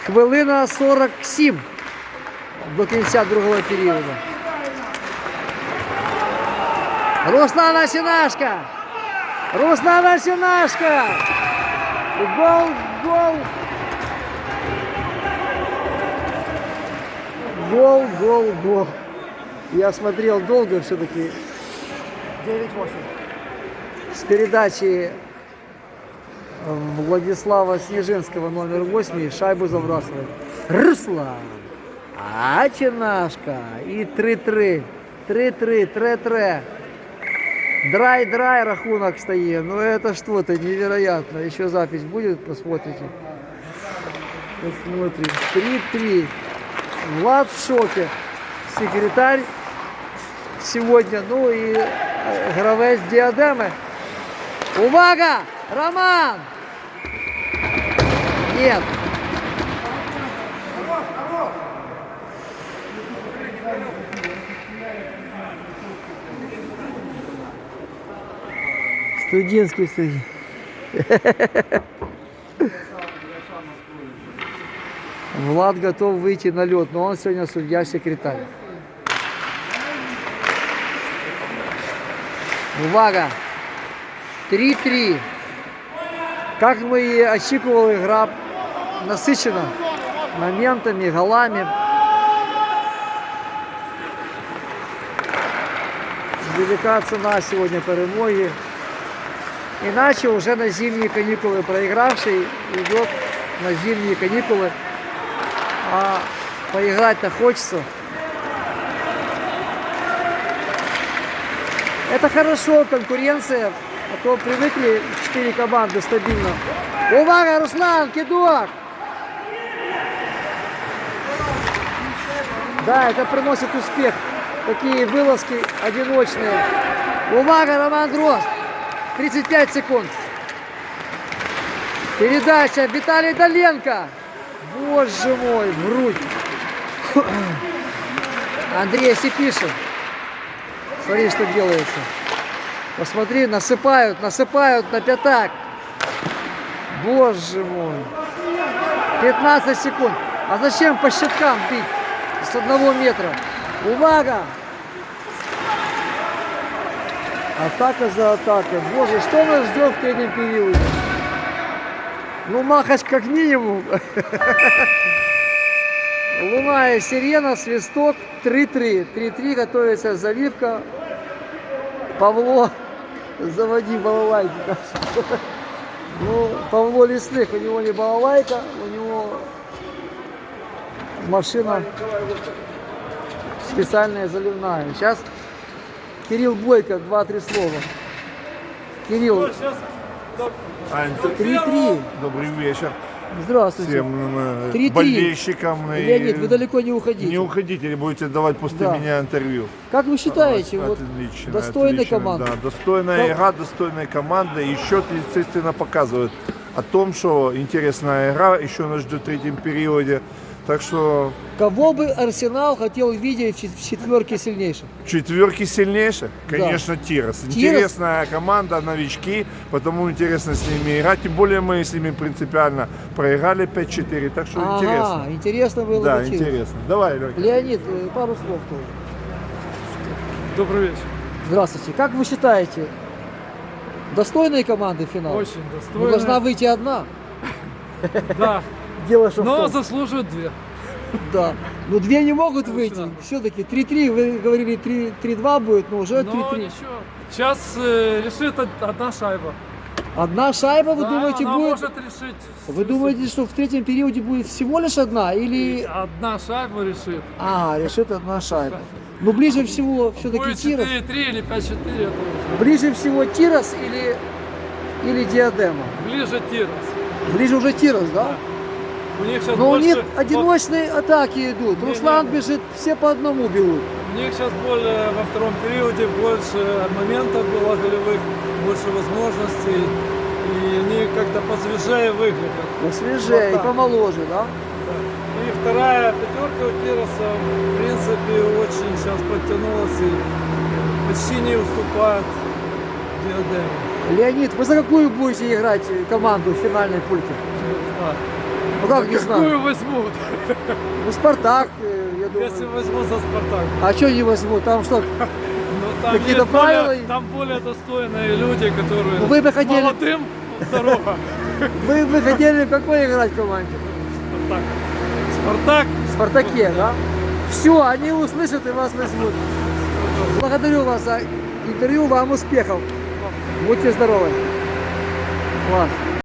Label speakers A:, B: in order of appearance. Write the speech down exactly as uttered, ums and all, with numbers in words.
A: Хвилина сорок сім до кінця другого періоду. Руслан Осинашко! Руслан Осинашко! Гол, гол! Гол, гол, гол. Я смотрел долго все-таки.
B: девять восемь.
A: С передачи Владислава Снежинского номер восемь шайбу забрасывает Руслан Осинашко. И три-три. три-три, три-три. Драй-драй рахунок стоит. Ну это что-то невероятно. Еще запись будет, посмотрите. Посмотрим. три-три. Влад в шоке. Секретарь сегодня. Ну и гравець Діадеми. Увага! Роман! Нет. Студентский студент. Влад готов выйти на лед, но он сегодня судья-секретарь. Увага! три-три. Как мы и очікували, игра насыщена моментами, голами. Велика цена сегодня перемоги. Иначе уже на зимние каникулы проигравший идет на зимние каникулы. А поиграть-то хочется. Это хорошо, конкуренция, а то привыкли четыре команды стабильно. Увага, Руслан, кидок! Да, это приносит успех. Такие вылазки одиночные. Увага, Роман Дрозд! тридцать пять секунд. Передача Виталий Доленко. Боже мой, в грудь. Андрей Сипишин. Смотри, что делается. Посмотри, насыпают, насыпают на пятак. Боже мой. пятнадцать секунд. А зачем по щиткам бить с одного метра? Увага! Атака за атакой. Боже, что нас ждет в третьем периоде? Ну, Махач как минимум. Луна и сирена, свисток, три-три. три-три, готовится заливка. Павло, заводи балалайки. Ну, Павло Лесных, у него не балалайка, у него машина специальная заливная. Сейчас Кирилл Бойко, два-три слова. Кирилл, три-три.
C: Добрый вечер
A: Здравствуйте.
C: всем
A: три-три.
C: болельщикам.
A: Леонид, вы далеко не уходите.
C: Не уходите, или будете давать после
A: Да.
C: меня интервью.
A: Как вы считаете, вот
C: Отлично,
A: достойная
C: отлично,
A: команда?
C: Да, достойная
A: Как-
C: игра, достойная команда. И счет, естественно, показывает о том, что интересная игра еще нас ждет в третьем периоде. Так что
A: Кого бы Арсенал хотел видеть в чет- в четверке сильнейших?
C: четверки сильнейших, конечно, Тирос.
A: Тирос.
C: Интересная команда, новички, потому интересно с ними играть. Тем более мы с ними принципиально проиграли пять-четыре, так что
A: Ага,
C: интересно.
A: интересно было
C: Да,
A: бы Тирос.
C: интересно. Давай, Лёнька.
A: Леонид, э, пару слов тоже.
B: Добрый вечер.
A: Здравствуйте. Как вы считаете, достойные команды финала?
B: Очень
A: Ну,
B: достойно.
A: должна выйти одна.
B: Да,
A: Дело что в
B: но
A: том.
B: заслуживают две.
A: Да. Ну две не могут
B: Ну,
A: выйти.
B: да.
A: Все-таки три-три, вы говорили три-два будет, но уже
B: Но
A: три-три.
B: ничего. Сейчас э, решит од- одна шайба.
A: Одна шайба, вы
B: Да,
A: думаете,
B: она
A: будет?
B: может решить.
A: Вы думаете, что в третьем периоде будет всего лишь одна или...
B: Одна шайба решит.
A: А, решит одна шайба. Но ближе всего все-таки
B: Будет
A: Тирос.
B: четыре-три или пять-четыре. это уже.
A: Ближе всего Тирос или, или Диадема?
B: Ближе Тирос.
A: Ближе уже Тирос, да?
B: У них сейчас
A: Но у
B: больше...
A: них одиночные атаки идут.
B: Не,
A: Руслан
B: не.
A: бежит, все по одному берут.
B: У них сейчас более во втором периоде больше моментов было голевых, больше возможностей. И они как-то посвежее выглядят.
A: Посвежее и
B: Вот так.
A: помоложе, да?
B: Да. И вторая пятерка у Тироса, в принципе, очень сейчас подтянулась и почти не уступает Диадеме.
A: Леонид, вы за какую будете играть команду в финальной пульке?
B: Да.
A: Ну как не знаю?
B: Какую возьмут?
A: Ну Спартак, э, я думаю.
B: Если возьму за Спартак.
A: А что не возьму? Там что?
B: Ну, там
A: Какие-то
B: есть более-
A: правила?
B: Там более достойные люди, которые
A: Ну, вы бы хотели-
B: молодым здорово.
A: Вы бы хотели в какой играть команде?
B: Спартак. Спартак.
A: В Спартаке, да? Все, они услышат и вас возьмут. Благодарю вас за интервью, вам успехов. Будьте здоровы. Класс.